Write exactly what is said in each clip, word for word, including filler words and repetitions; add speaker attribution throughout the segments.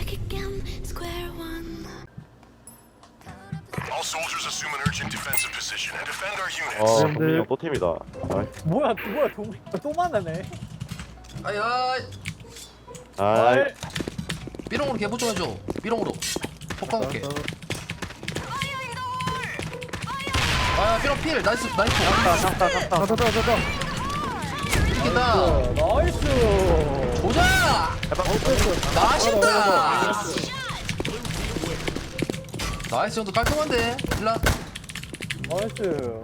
Speaker 1: All soldiers assume an urgent defensive position and defend our
Speaker 2: 아,
Speaker 1: units.
Speaker 2: 동민이 형 또 팀이다. 아이,
Speaker 3: 뭐야 뭐야 동, 또 만나네.
Speaker 4: 아야
Speaker 2: 아이,
Speaker 4: 삐롱으로 개보 좀 해줘. 삐롱으로 폭탄 올게. 아 삐롱 필 나이스 나이스.
Speaker 2: 쌍따, 쌍따, 쌍따.
Speaker 3: 자자자자.
Speaker 4: 이긴다.
Speaker 3: 나이스.
Speaker 4: 보자. 맛있다. 나이스 정도 깔끔한데. 일라.
Speaker 3: 나이스.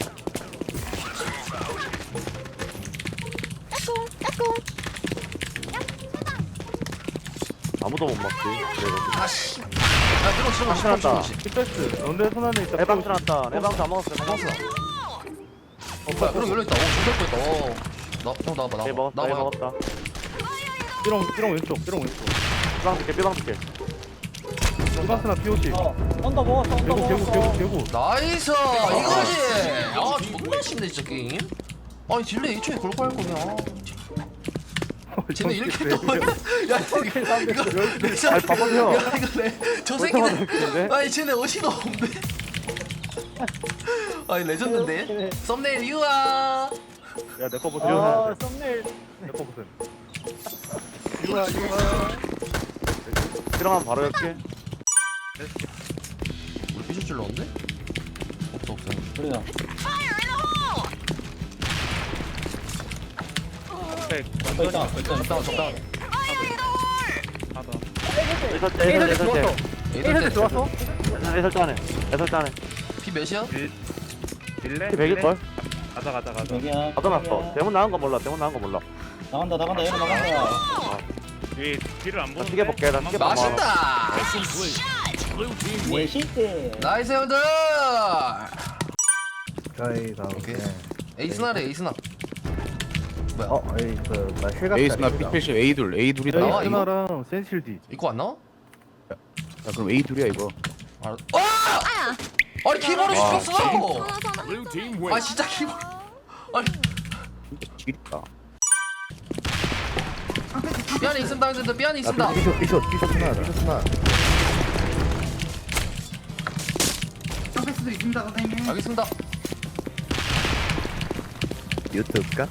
Speaker 2: 아무도 못 막지. 그래가지고.
Speaker 4: 아씨. 야 삐롱 치는 거
Speaker 2: 확실하다.
Speaker 4: 치는 거.
Speaker 3: 킥패스. 연대 손안에 있다.
Speaker 2: 해방 들었다. 해방 다 먹었어.
Speaker 4: 먹었어. 어 뭐야 삐롱 열려 있다. 오 죽을 뻔했다. 어. 나형 나와봐
Speaker 2: 해
Speaker 4: 나와봐.
Speaker 2: 먹었다. 해
Speaker 4: 나와봐.
Speaker 2: 먹었다.
Speaker 3: 삐롱 삐롱 왼쪽 삐롱 왼쪽.
Speaker 2: 삐방 줄게, 삐방 줄게.
Speaker 3: 이바스나 피오시. 언더 먹었어. 언더 개구 개구 개구 개구.
Speaker 4: 나이스 이거지. 아 존나 쉽네 진짜 게임. 아니 딜레이 일 초에 그럴 거할 거냐. 쟤네 이렇게 또 야 이거 이거
Speaker 2: 아니, 봐봐요.
Speaker 4: 야 이거 내저 새끼네.
Speaker 2: 근데?
Speaker 4: 아니 쟤네 어디가 없네. 아니 레전드인데. 썸네일 유아.
Speaker 3: 야 내 거 보세요. 아 썸네일. 내 거 보세요. 이거야 이거야.
Speaker 2: 삐방하면 바로 열게.
Speaker 4: 우리 피셔 찔렀는데? 없어 없어.
Speaker 3: 그래요.
Speaker 4: 적당 적당 적당.
Speaker 2: 애설 때, 애설 때, 애설 때.
Speaker 3: 에이드 좋았어.
Speaker 2: 애설 때 하네. 애설 때 하네.
Speaker 4: 피 몇이야?
Speaker 5: 빌레?
Speaker 2: 피 백일걸?
Speaker 5: 가자 가자 가자.
Speaker 6: 여기야.
Speaker 2: 받아놨어. 대문 나간 거 몰라. 대문 나간 거 몰라.
Speaker 6: 나간다 나간다 얘는 나간다.
Speaker 5: 이 뒤를 안
Speaker 2: 나
Speaker 5: 보는데.
Speaker 2: 시계 볼게. 나 시계 봐.
Speaker 4: 맛있다.
Speaker 6: 예 실대.
Speaker 4: 나이스 형들.
Speaker 3: 저희 다
Speaker 4: 오케이. 에이스나래 에이스나. 뭐야?
Speaker 3: 어 에이스 나 실각.
Speaker 7: 에이스나 피 A 둘 A 둘이다.
Speaker 4: 나와,
Speaker 7: 야
Speaker 4: 이거?
Speaker 3: 에이스나랑 센실디.
Speaker 4: 이거 안 나와?
Speaker 7: 그럼 A 둘이야 이거.
Speaker 4: 알아. 아! 아니 키보드
Speaker 7: 아,
Speaker 4: 씹혔어. 아 진짜 키보드. 아니
Speaker 7: 지겠다.
Speaker 4: 삐안이 있습니다 형들 삐안이 있습니다.
Speaker 3: 피쇼 피쇼 피쇼 하나 피쇼 하나.
Speaker 4: 알겠습니다.
Speaker 3: 유튜브가?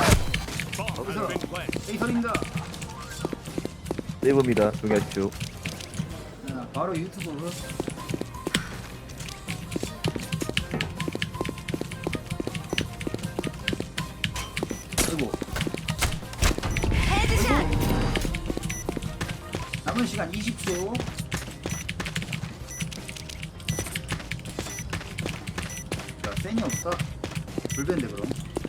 Speaker 3: 네이버입니다. 동현주.
Speaker 6: 바로 유튜브. 아이고. 남은 시간 이십 초. 자, 센이 없다. 불변데 그럼.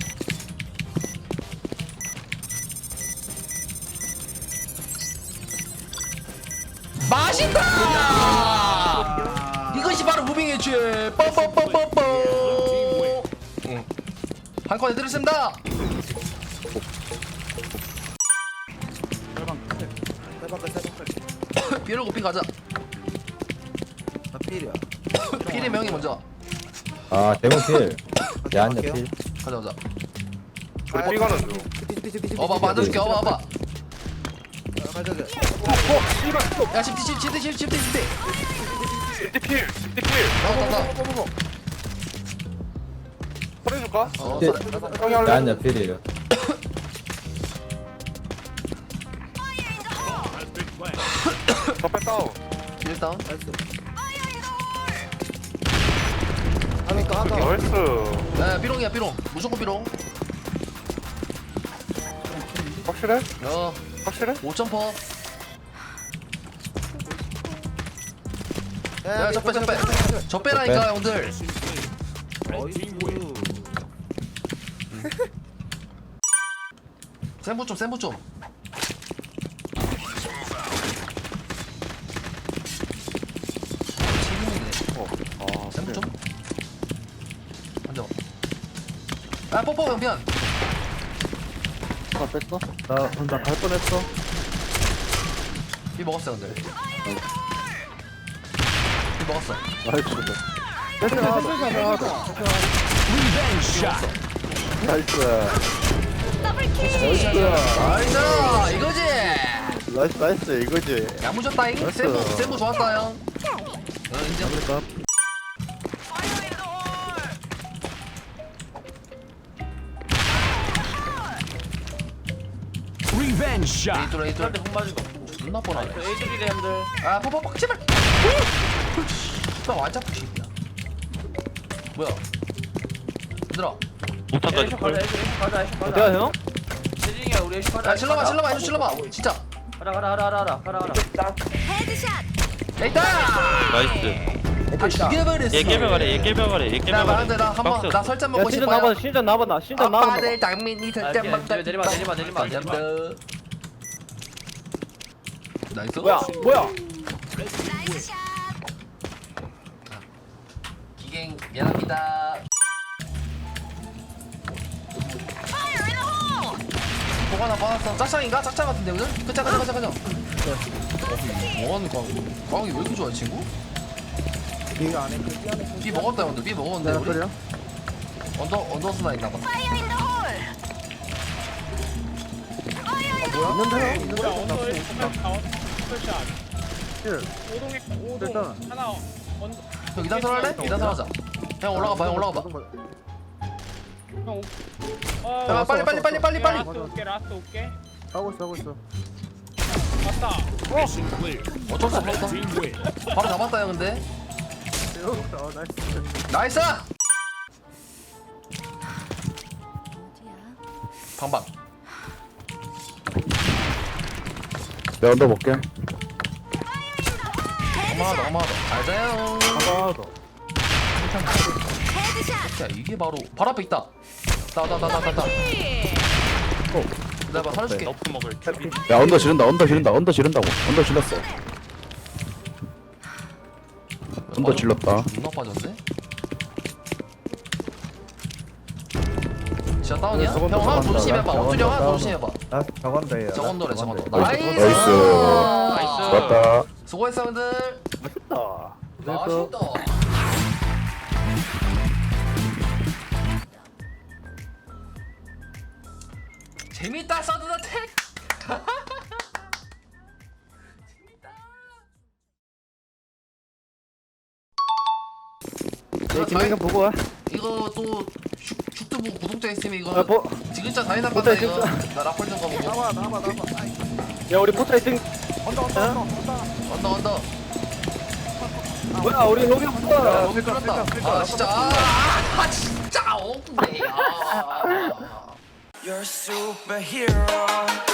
Speaker 4: 맛있다. 이것이 바로 무빙의 죄. 뻔뻔뻔뻔뻔. 응. 한건 해드렸습니다. 삐를 고삐 가자.
Speaker 6: 나 필이야.
Speaker 4: 필의 명이 먼저.
Speaker 3: 아 대문 필. 야한 필.
Speaker 4: 가자 가자.
Speaker 5: 우리 삐가는 중.
Speaker 4: 어봐 맞아줄게. 어봐 어봐. 야 십티 십티 십티 십티 십티.
Speaker 5: 십디필 십디필.
Speaker 4: 나와 나와.
Speaker 5: 설해줄까?
Speaker 4: 어
Speaker 3: 네.
Speaker 4: 그래.
Speaker 5: 형이 할래?
Speaker 3: 야한 필이에요.
Speaker 5: 더 뺐다운.
Speaker 4: 일단.
Speaker 5: 나이스.
Speaker 4: 야 삐롱이야 삐롱. 무조건 삐롱.
Speaker 5: 확실해?
Speaker 4: 야
Speaker 5: 확실해?
Speaker 4: 오 점 퍼. 야 적배 적배. 적배라니까 형들. 센부 좀 센부 좀.
Speaker 5: 아,
Speaker 4: 센부 좀. 앉아. 아 뽀뽀 형 미안.
Speaker 3: 아 뺐어? 나나갈 뻔했어.
Speaker 4: 비 먹었어 형들. 비 먹었어.
Speaker 3: 나이스. 됐어. 나이스. 나이스.
Speaker 4: 나이스 이거지.
Speaker 3: 나이스 나이스 이거지.
Speaker 4: 야무졌다잉.
Speaker 3: 됐어.
Speaker 4: 세무 세무 좋았다 형. 어, 인정.
Speaker 3: 그러니까
Speaker 4: 에이돌 에이돌. 존나 뻔하네.
Speaker 2: 에이들이래 형들.
Speaker 4: 아 퍽퍽퍽 제발. 나 완전 푸시야. 뭐야? 얘들아.
Speaker 2: 에이쇼 가자 에이쇼 에이쇼 가자 에이쇼 가자.
Speaker 3: 어디야 형?
Speaker 2: 세진이야 우리 에이쇼 가자.
Speaker 4: 야 질러봐 질러봐 에이쇼 질러봐. 진짜.
Speaker 2: 가라 가라 가라 가라 가라 가라.
Speaker 4: 에이다.
Speaker 8: 나이스.
Speaker 4: 다 죽여버렸어.
Speaker 8: 얘 깨벽아래 얘 깨벽아래 얘
Speaker 4: 나
Speaker 8: 깨벽아래.
Speaker 4: 말한대 나 한번 나 설정
Speaker 3: 야
Speaker 4: 먹고
Speaker 3: 신전
Speaker 4: 싶어요.
Speaker 3: 나봐 신전 나봐 나 신전 나봐.
Speaker 4: 아빠들 당민이
Speaker 2: 아,
Speaker 4: 설정 먹다.
Speaker 2: 내리마, 내리마, 내리마, 내리마, 내리마.
Speaker 4: 나이스.
Speaker 3: 뭐야 뭐야?
Speaker 4: 기갱 미안합니다. 뭐가 나 받았어. 짝짱인가? 짝짱 같은데 오늘? 그짜 그자 그자 그자. 뭐하는 광? 광이 왜 이렇게 좋아 이 친구?
Speaker 3: 네가 안에 그 안에
Speaker 4: B 먹었다 형들. B 먹었는데 우리?
Speaker 3: 그래요?
Speaker 4: 언더 언더스나 있나봐.
Speaker 3: 있는데요?
Speaker 9: 뭐야 언더 일 스페셜
Speaker 3: 실.
Speaker 9: 오동에 오동
Speaker 3: 일단.
Speaker 9: 하나 언더
Speaker 4: 형 이단 설할래? 이단 설하자. 형 올라가 봐. 형 올라가 봐.
Speaker 9: 형
Speaker 4: 야, 빨리 빨리 빨리 빨리 빨리.
Speaker 9: 라스트 올게 라스트 올게
Speaker 3: 하고 있어 하고 있어.
Speaker 9: 맞다
Speaker 4: 어쩔 수 없었어. 바로 잡았다 형 근데.
Speaker 3: 어 나이스.
Speaker 4: 나이스. 방방.
Speaker 7: 내가 언더 볼게.
Speaker 4: 어마하다 어마하다. 잘 자요.
Speaker 3: 하나 더.
Speaker 4: 야 이게 바로 발 앞에 있다. 나나나나나. 내가 살려줄게.
Speaker 8: 너프 먹을.
Speaker 7: 야 언더 지른다 언더 지른다 언더 지른다고. 언더 질렀어. 언더 질렀다.
Speaker 4: 존나 빠졌네. 진짜 다운이야?
Speaker 3: 저건
Speaker 4: 형 하나 더
Speaker 3: 저건
Speaker 4: 조심해봐.
Speaker 3: 저건
Speaker 4: 원준이 형 하나 더
Speaker 3: 저건
Speaker 4: 조심해봐.
Speaker 3: 나 저건데. 예.
Speaker 4: 저건도래 저건도.
Speaker 7: 나이스.
Speaker 4: 나이스.
Speaker 7: 나이스.
Speaker 8: 나이스.
Speaker 7: 좋았다.
Speaker 4: 수고했어 형들.
Speaker 3: 맛있다.
Speaker 4: 맛있다. 재밌다 서든어택.
Speaker 3: 네, 김민경 보고 와.
Speaker 4: 이거 또 슈- 슈트부 구독자 있으면 이거
Speaker 3: 아, 뭐?
Speaker 4: 지글자 다이나
Speaker 3: 포탈
Speaker 4: 간다 이거.
Speaker 3: 진짜.
Speaker 4: 나 라폴 좀 가보고.
Speaker 3: 나와 나와 나와. 야 우리 포탈 등.
Speaker 4: 언더 언더.
Speaker 3: 뭐야 우리 로비 붙어.
Speaker 4: 여기 뚫었다. 아 진짜. 아, 아 진짜 억울해. 아.
Speaker 10: You're a superhero.